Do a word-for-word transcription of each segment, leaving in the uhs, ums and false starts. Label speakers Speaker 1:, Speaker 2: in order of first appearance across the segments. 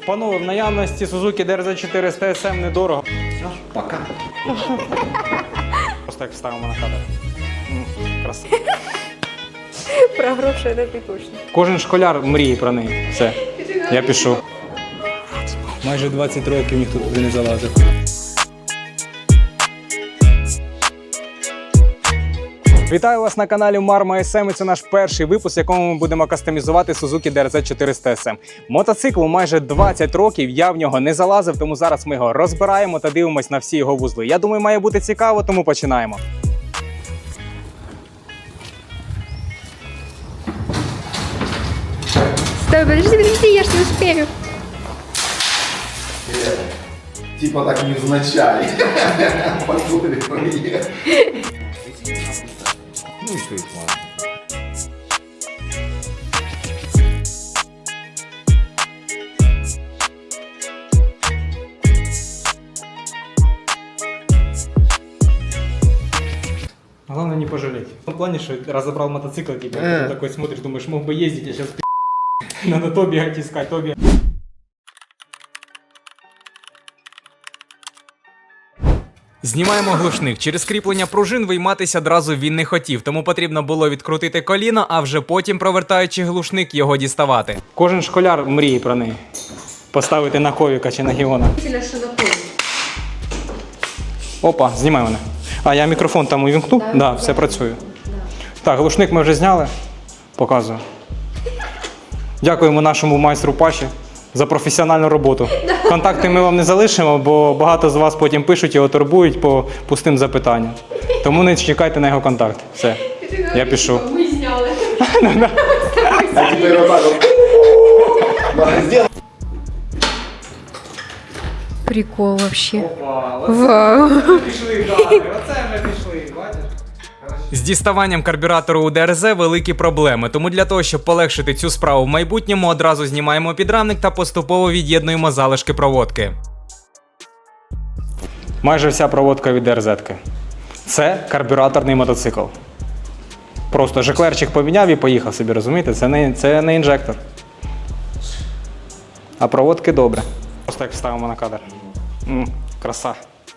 Speaker 1: Панове, в наявності Suzuki ді ар зет чотириста ес ем недорого.
Speaker 2: Пока.
Speaker 1: Просто так вставимо на кадр. М, Краса.
Speaker 3: Про гроші це ти точно.
Speaker 1: Кожен школяр мріє про неї. Все, я пішов. Майже двадцять років ніхто туди не залазив. Вітаю вас на каналі Marma ес ем, і це наш перший випуск, в якому ми будемо кастомізувати Suzuki ді ар зет чотириста ес ем. Мотоциклу майже двадцять років, я в нього не залазив, тому зараз ми його розбираємо та дивимось на всі його вузли. Я думаю, має бути цікаво, тому починаємо.
Speaker 3: Стой, подожди, подожди, я ж не успею.
Speaker 2: Типа так невзначай. Подумали про меня. Ну и что их ладно.
Speaker 1: Главное не пожалеть. В том плане, что разобрал мотоцикл, типа,
Speaker 2: Э.
Speaker 1: такой смотришь, думаешь, мог бы ездить, а сейчас надо то бегать искать, то бегать. Знімаємо глушник. Через кріплення пружин вийматися одразу він не хотів, тому потрібно було відкрутити коліно, а вже потім, провертаючи глушник, його діставати. Кожен школяр мріє про неї. Поставити на ковіка чи на гіона. Опа, знімай мене. А, я мікрофон там увімкнув? Так, да, все працює. Да. Так, глушник ми вже зняли. Показую. Дякуємо нашому майстру Паші за професіональну роботу. Контакти ми вам не залишимо, бо багато з вас потім пишуть, його турбують по пустим запитанням. Тому не чекайте на його контакт. Все, я пішов.
Speaker 3: Ми зняли.
Speaker 2: А теперь вот так вот. Сделай.
Speaker 3: Прикол вообще.
Speaker 1: Опа,
Speaker 3: Вау.
Speaker 1: пішли кадри, оце вже пішли, бачиш? З діставанням карбюратору у ді ар зет великі проблеми, тому для того, щоб полегшити цю справу в майбутньому, одразу знімаємо підрамник та поступово від'єднуємо залишки проводки. Майже вся проводка від ді ар зет-ки. Це карбюраторний мотоцикл. Просто жеклерчик поміняв і поїхав собі, розумієте? Це не, це не інжектор. А проводки добре. Просто так вставимо на кадр. М, краса.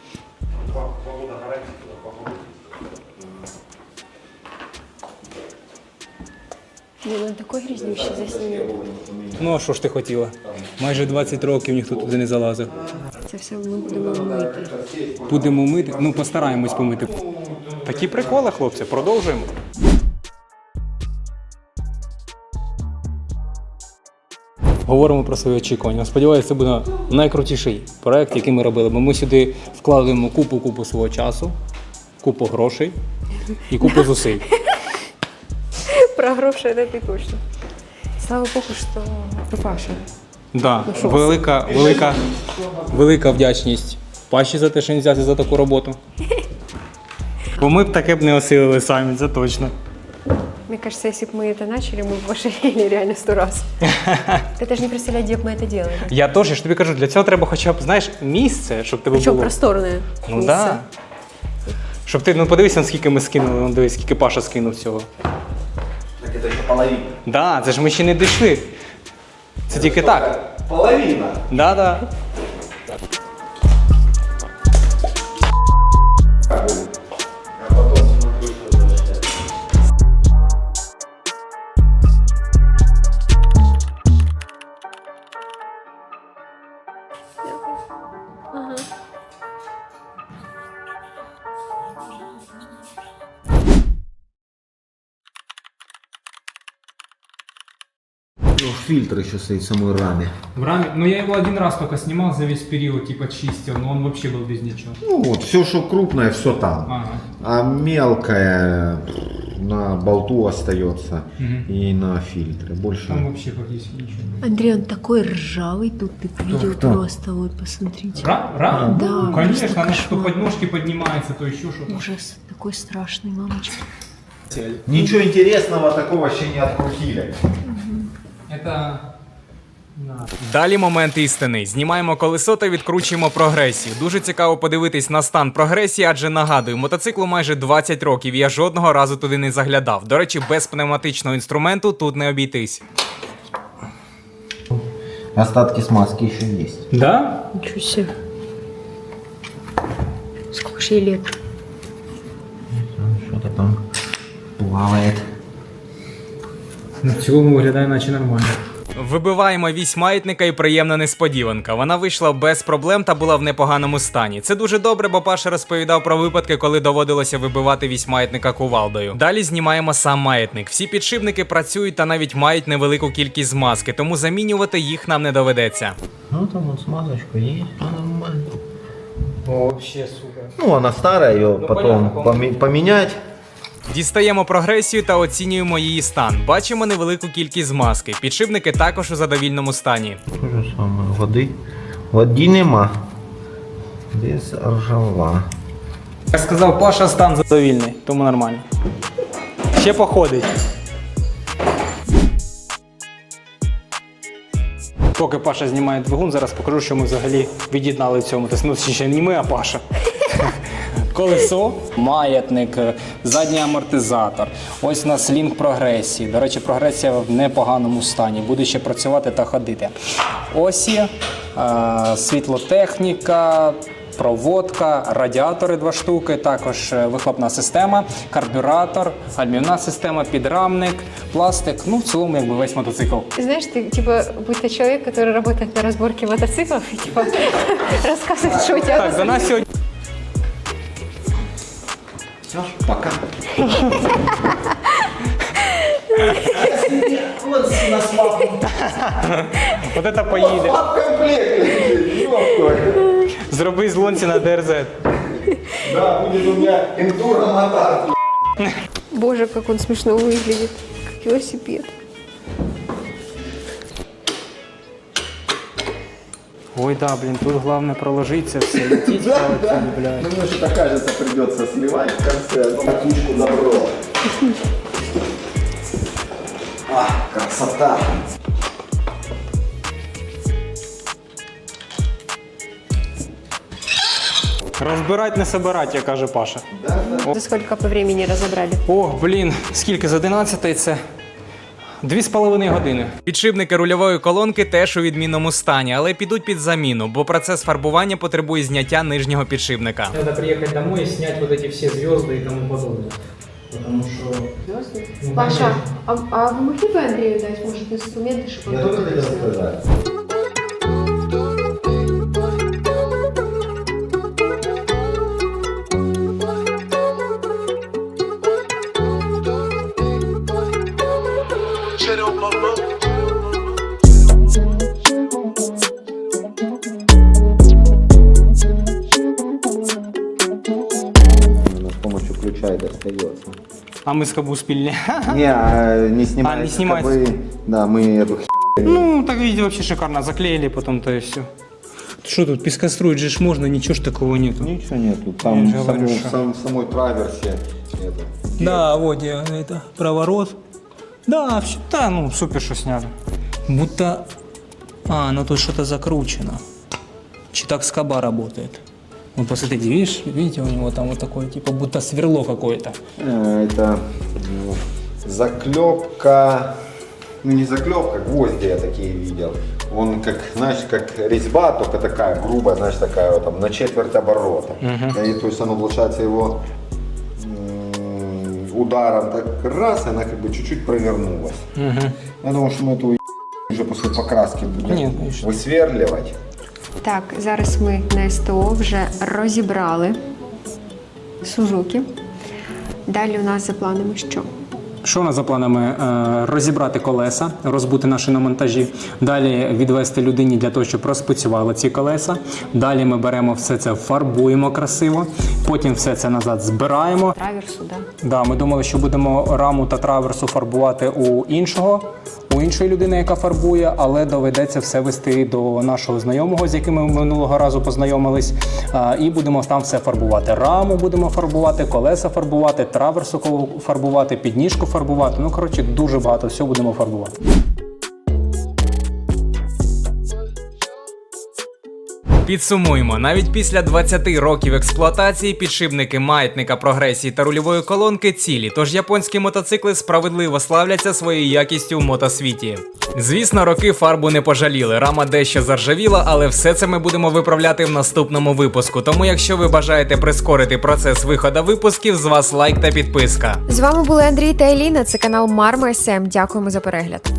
Speaker 3: Блин, он такой грязнющий заснімет.
Speaker 1: Ну, а що ж ти хотіла? Майже двадцять років ніхто туди не залазив.
Speaker 3: Це все ми будемо мити.
Speaker 1: Будемо мити? Ну, постараємось помити. Такі приколи, хлопці, продовжуємо. Говоримо про свої очікування. Сподіваюся, це буде найкрутіший проект, який ми робили. Бо ми сюди вкладаємо купу-купу свого часу, купу грошей і купу зусиль.
Speaker 3: Про гроші це ти точно. Слава Богу, що Паша.
Speaker 1: Да, велика, велика, велика вдячність Паші за те, що він взявся за таку роботу. Бо ми б таке б не осилили самі, це точно.
Speaker 3: Мне кажется, если бы мы это начали, мы бы пошалили реально сто раз. Ты даже не представляешь, где бы мы это делали.
Speaker 1: Я теж, я ж тобі кажу, для цього треба хоча б, знаєш, місце, щоб тебе
Speaker 3: Причем
Speaker 1: було.
Speaker 3: просторное
Speaker 1: Ну
Speaker 3: место.
Speaker 1: да. Щоб ти, ну подивися, скільки ми скинули, ну дивись, скільки Паша скинув цього.
Speaker 2: Так это еще половина.
Speaker 1: Да, це ж ми ще не дійшли. Це тільки так.
Speaker 2: Половина.
Speaker 1: Да, да.
Speaker 2: А потом смотрю, что возвращается.
Speaker 3: Ага.
Speaker 2: Ну, фильтр еще стоит в самой раме.
Speaker 1: В раме, ну я его один раз только снимал за весь период, типа чистил, но он вообще был без ничего.
Speaker 2: Ну вот, все, что крупное, все там.
Speaker 1: Ага.
Speaker 2: А мелкое пф, на болту остается
Speaker 1: Мгм.
Speaker 2: и на фильтре. Больше.
Speaker 1: Там вообще практически ничего.
Speaker 3: Андрей, он такой ржавый тут, ты видел
Speaker 2: кто?
Speaker 3: просто, вот посмотрите.
Speaker 1: Ра? Ра?
Speaker 3: Да,
Speaker 1: Ну, конечно,
Speaker 3: просто
Speaker 1: она то
Speaker 3: кошмар.
Speaker 1: подножки поднимается, то еще что-то.
Speaker 3: Ужас, такой страшный, мамочка.
Speaker 2: Ничего интересного такого вообще не открутили.
Speaker 1: Это... Далі момент істини. Знімаємо колесо та відкручуємо прогресію. Дуже цікаво подивитись на стан прогресії, адже нагадую, мотоциклу майже двадцять років, і я жодного разу туди не заглядав. До речі, без пневматичного інструменту тут не обійтись.
Speaker 2: Остатки смазки еще есть.
Speaker 1: Да?
Speaker 3: Ничего себе. Сколько же ей лет?
Speaker 2: Что-то там плавает.
Speaker 1: Ну, в цілому виглядає наче нормально.
Speaker 4: Вибиваємо вісь маятника і приємна несподіванка. Вона вийшла без проблем та була в непоганому стані. Це дуже добре, бо Паша розповідав про випадки, коли доводилося вибивати вісь маятника кувалдою. Далі знімаємо сам маятник. Всі підшипники працюють та навіть мають невелику кількість змазки, тому замінювати їх нам не доведеться.
Speaker 2: Ну там вот смазочка есть, нормально.
Speaker 1: О, вообще супер.
Speaker 2: Ну она старая, ее
Speaker 1: Ну,
Speaker 2: потом
Speaker 1: понятно,
Speaker 2: поме- поменять.
Speaker 4: Дістаємо прогресію та оцінюємо її стан. Бачимо невелику кількість змазки. Підшипники також у задовільному стані.
Speaker 2: То же самое, воды. Воды нема. Без ржава.
Speaker 1: Як сказав Паша, стан задовільний, тому нормально. Ще походить. Поки Паша знімає двигун, зараз покажу, що ми взагалі від'єднали в цьому. Тобто, ну, ще не ми, а Паша. Колесо, маятник, задній амортизатор. Ось у нас лінк прогресії. До речі, прогресія в непоганому стані. Буде ще працювати та ходити. Осі, е, світлотехніка, проводка, радіатори два штуки, також вихлопна система, карбюратор, гальмівна система, підрамник, пластик. Ну, в цілому, якби весь мотоцикл.
Speaker 3: Знаешь, ты типа будто человек, который работает на разборке мотоциклов и типа рассказывает, что у тебя.
Speaker 1: Так, до нас сьогодні.
Speaker 2: Все, пока.
Speaker 1: От це поїде. Зроби з лонці на ДРЗ.
Speaker 2: Да, будет у меня эндуро мотор.
Speaker 3: Боже, как он смешно выглядит. Как велосипед.
Speaker 1: Ой, да, блін, тут головне проложитися, все летіть, да, блядь.
Speaker 2: Мне что-то кажется, придется сливать в конце, но катушку добро. А, красота.
Speaker 1: Розбирать, не собирать, як каже Паша.
Speaker 3: За сколько по времени разобрали?
Speaker 1: Ох, блін, скільки з одинадцятої це? Дві з половиною години.
Speaker 4: Підшипники рульової колонки теж у відмінному стані, але підуть під заміну, бо процес фарбування потребує зняття нижнього підшипника.
Speaker 1: Треба приїхати домой і зняти вот эти всі зв'язки і тому подобне. Потому що... Ну,
Speaker 3: Паша, а, а вы могли бы Андрею дать, может, инструменты, чтобы
Speaker 2: Я
Speaker 3: он
Speaker 2: только
Speaker 3: тут
Speaker 2: хотел
Speaker 3: это сделал?
Speaker 2: сказать. Именно с помощью ключа и достается.
Speaker 1: А ми з кабу спільні.
Speaker 2: Не, а, не снимается.
Speaker 1: А, не снимается.
Speaker 2: скобы. Да, мы эту х**.
Speaker 1: Ну, так видите, вообще шикарно. Заклеили потом, то и все. Что тут, пескостроить же ж можно, ничего ж такого нету.
Speaker 2: Ничего нету.
Speaker 1: Я
Speaker 2: Там
Speaker 1: же
Speaker 2: в
Speaker 1: говорю,
Speaker 2: саму-
Speaker 1: что-
Speaker 2: в сам- в самой траверсе это.
Speaker 1: Да, вот я, это, проворот. Да, все, да, ну, супер, что сняли. Будто, а, ну тут что-то закручено. Чи так скоба работает. Вот посмотрите, видишь, видите, у него там вот такое, типа, будто сверло какое-то.
Speaker 2: Э, Это ну, заклепка, ну не заклепка, гвозди я такие видел. Он как, знаешь, как резьба, только такая грубая, знаешь, такая вот там на четверть оборота. И, то есть оно, получается, его м, ударом так раз, и она как бы чуть-чуть провернулась. Я думаю, что мы эту уже после покраски будем
Speaker 1: Нет, конечно.
Speaker 2: высверливать.
Speaker 3: Так, зараз ми на СТО вже розібрали Сузуки. Далі у нас за планами що?
Speaker 1: Що у нас за планами? Е, Розібрати колеса, розбути на шиномонтажі, далі відвести людині для того, щоб розпрацювали ці колеса. Далі ми беремо все це, фарбуємо красиво, потім все це назад збираємо.
Speaker 3: Траверсу, да?
Speaker 1: Да, ми думали, що будемо раму та траверсу фарбувати у іншого, у іншої людини, яка фарбує, але доведеться все вести до нашого знайомого, з яким ми минулого разу познайомились, а, і будемо там все фарбувати. Раму будемо фарбувати, колеса фарбувати, траверсу фарбувати, підніжку фарбувати. Ну, коротше, дуже багато всього будемо фарбувати.
Speaker 4: Підсумуємо, навіть після двадцяти років експлуатації підшипники маятника, прогресії та рульової колонки цілі, тож японські мотоцикли справедливо славляться своєю якістю в мотосвіті. Звісно, роки фарбу не пожаліли, рама дещо заржавіла, але все це ми будемо виправляти в наступному випуску. Тому якщо ви бажаєте прискорити процес виходу випусків, з вас лайк та підписка.
Speaker 3: З вами були Андрій та Еліна, це канал Марма ес ем. Дякуємо за перегляд.